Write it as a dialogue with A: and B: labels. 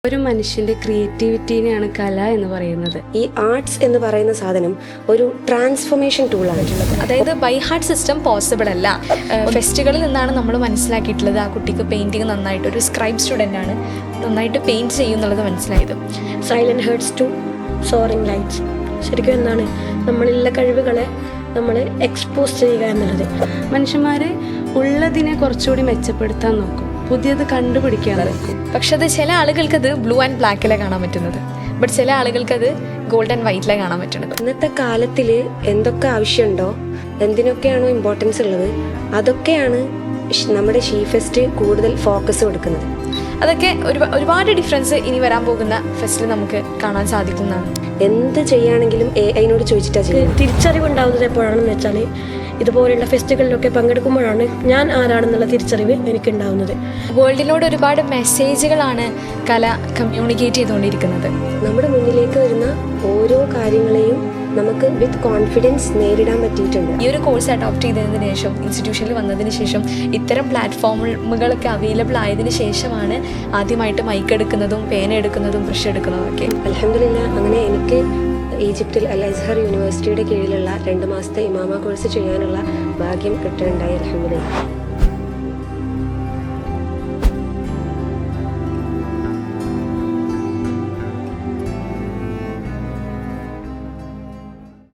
A: ഒരു മനുഷ്യന്റെ ക്രിയേറ്റിവിറ്റിനെയാണ് കല എന്ന് പറയുന്നത്.
B: ഈ ആർട്സ് എന്ന് പറയുന്ന സാധനം ഒരു ട്രാൻസ്ഫോർമേഷൻ ടൂളായിട്ടുള്ളത്.
C: അതായത് ബൈ ഹാർട്ട് സിസ്റ്റം പോസിബിൾ അല്ല. ഫെസ്റ്റുകളിൽ നിന്നാണ് നമ്മൾ മനസ്സിലാക്കിയിട്ടുള്ളത് ആ കുട്ടിക്ക് പെയിൻറ്റിങ് നന്നായിട്ട്, ഒരു സ്ക്രൈബ് സ്റ്റുഡൻ്റ് ആണ്, നന്നായിട്ട് പെയിൻറ്റ് ചെയ്യുന്നുള്ളത് മനസ്സിലായത്.
D: Silent hearts to soaring lights. ശരിക്കും എന്താണ് നമ്മളിലുള്ള കഴിവുകളെ നമ്മൾ എക്സ്പോസ് ചെയ്യുക എന്നുള്ളത്.
A: മനുഷ്യന്മാര് ഉള്ളതിനെ കുറച്ചുകൂടി മെച്ചപ്പെടുത്താൻ നോക്കും, പുതിയത് കണ്ടുപിടിക്കാൻ നോക്കും.
C: പക്ഷെ അത് ചില ആളുകൾക്ക് അത് ബ്ലൂ ആൻഡ് ബ്ലാക്കിലെ കാണാൻ പറ്റുന്നത്, ബട്ട് ചില ആളുകൾക്ക് അത് ഗോൾഡ് ആൻഡ് വൈറ്റിലെ കാണാൻ പറ്റുന്നത്.
B: ഇന്നത്തെ കാലത്തിൽ എന്തൊക്കെ ആവശ്യമുണ്ടോ, എന്തിനൊക്കെയാണോ ഇമ്പോർട്ടൻസ് ഉള്ളത്, അതൊക്കെയാണ് നമ്മുടെ ഷീ ഫെസ്റ്റ് കൂടുതൽ ഫോക്കസ് കൊടുക്കുന്നത്.
C: അതൊക്കെ ഒരുപാട് ഡിഫറൻസ് ഇനി വരാൻ പോകുന്ന ഫെസ്റ്റിൽ നമുക്ക് കാണാൻ സാധിക്കുന്നതാണ്.
B: എന്ത് ചെയ്യുകയാണെങ്കിലും AI-നോട് ചോദിച്ചിട്ടാ ചെയ്യുന്നത്.
D: തിരിച്ചറിവ് ഉണ്ടാവുന്നത് എപ്പോഴാണെന്ന് വെച്ചാൽ ഇതുപോലെയുള്ള ഫെസ്റ്റുകളിലൊക്കെ പങ്കെടുക്കുമ്പോഴാണ് ഞാൻ ആരാണെന്നുള്ള തിരിച്ചറിവ് എനിക്കുണ്ടാവുന്നത്.
C: വേൾഡിനോട് ഒരുപാട് മെസ്സേജുകളാണ് കല കമ്മ്യൂണിക്കേറ്റ് ചെയ്തുകൊണ്ടിരിക്കുന്നത്.
B: നമ്മുടെ മുന്നിലേക്ക് വരുന്ന ഓരോ കാര്യങ്ങളെയും നമുക്ക് വിത്ത് കോൺഫിഡൻസ് നേരിടാൻ പറ്റിയിട്ടുണ്ട്.
C: ഈ ഒരു കോഴ്സ് അഡോപ്റ്റ് ചെയ്തതിന് ശേഷം, ഇൻസ്റ്റിറ്റ്യൂഷനിൽ വന്നതിന് ശേഷം, ഇത്തരം പ്ലാറ്റ്ഫോമുകളൊക്കെ അവൈലബിൾ ആയതിനു ശേഷമാണ് ആദ്യമായിട്ട് മൈക്ക് എടുക്കുന്നതും പേന എടുക്കുന്നതും ബ്രഷ് എടുക്കുന്നതും ഒക്കെ.
B: അൽഹംദുലില്ലാ, അങ്ങനെ എനിക്ക് ഈജിപ്തിൽ അൽ അസ്ഹർ യൂണിവേഴ്സിറ്റിയുടെ കീഴിലുള്ള 2 മാസത്തെ ഇമാമ കോഴ്സ് ചെയ്യാനുള്ള ഭാഗ്യം കിട്ടുകയുണ്ടായി. അൽഹംദുലില്ലാ.